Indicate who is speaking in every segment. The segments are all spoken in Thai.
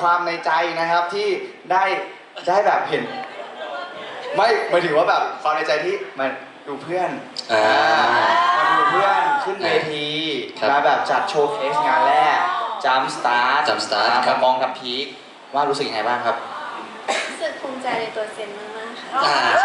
Speaker 1: ความในใจนะครับที่ได้แบบเห็นไม่หมายถึงว่าแบบความในใจที่มาดูเพื่อนมาดูเพื่อนขึ้นเวทีมาแบบจัดโชว์เคสงานแรกจัมสตาร์ทกับมองกับพีคว่ารู้สึกยังไงบ้างครับ
Speaker 2: รู้สึกภูมิใจในตัวเซนมากๆค่ะ
Speaker 1: ใช่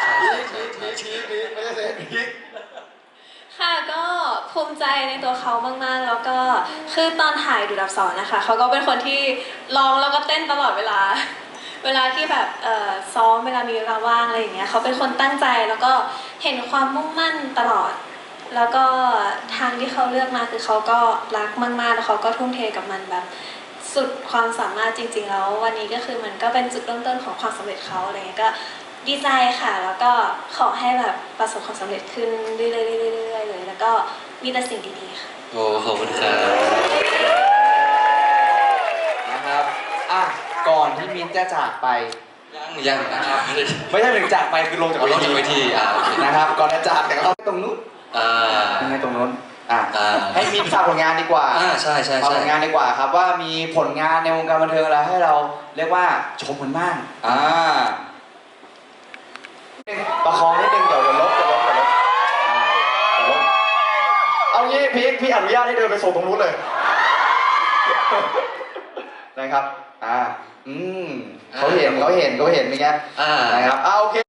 Speaker 2: ค่ะก็ภูมิใจในตัวเขามากๆแล้วก็คือตอนถ่ายดูดอับสรนะคะเขาก็เป็นคนที่ร้องแล้วก็เต้นตลอดเวลาที่แบบซ้อมเวลามีเวลาว่างอะไรอย่างเงี้ยเขาเป็นคนตั้งใจแล้วก็เห็นความมุ่งมั่นตลอดแล้วก็ทางที่เขาเลือกมาคือเขาก็รักมากๆแล้วเขาก็ทุ่มเทกับมันแบบสุดความสามารถจริงๆแล้ววันนี้ก็คือมันก็เป็นจุดเริ่มต้นของความสำเร็จเขาอะไรเงี้ยก็ดีใจค่ะแล้วก็ขอให้แบบประสบความสำเร็จขึ้นเรื่อยๆเลยแล้วก็มีแต่สิ่งดีๆค่ะ
Speaker 3: โอ้ขอบคุณครับ
Speaker 1: นะครับก่อนที่มิ้นจะจากไป
Speaker 3: ยังนะครับ
Speaker 1: ไม่ใช่ถึงจากไปคือลงจาก
Speaker 3: เวที
Speaker 1: นะครับก่อนจะจากแต่เราตรงนู้นยังไงตรงนู้นให้มิ้นฝากผลงานดีกว่า
Speaker 3: ใช่
Speaker 1: ฝากผลงานดีกว่าครับว่ามีผลงานในวงการบันเทิงอะไรให้เราเรียกว่าชมกันบ้างประคองนิดนึงเดี๋ยวลบเอางี้พี่อนุญาตให้เดินไปส่งตรงนู้นเลยนะครับเขาเห็นเป็นไงนะครับโอเค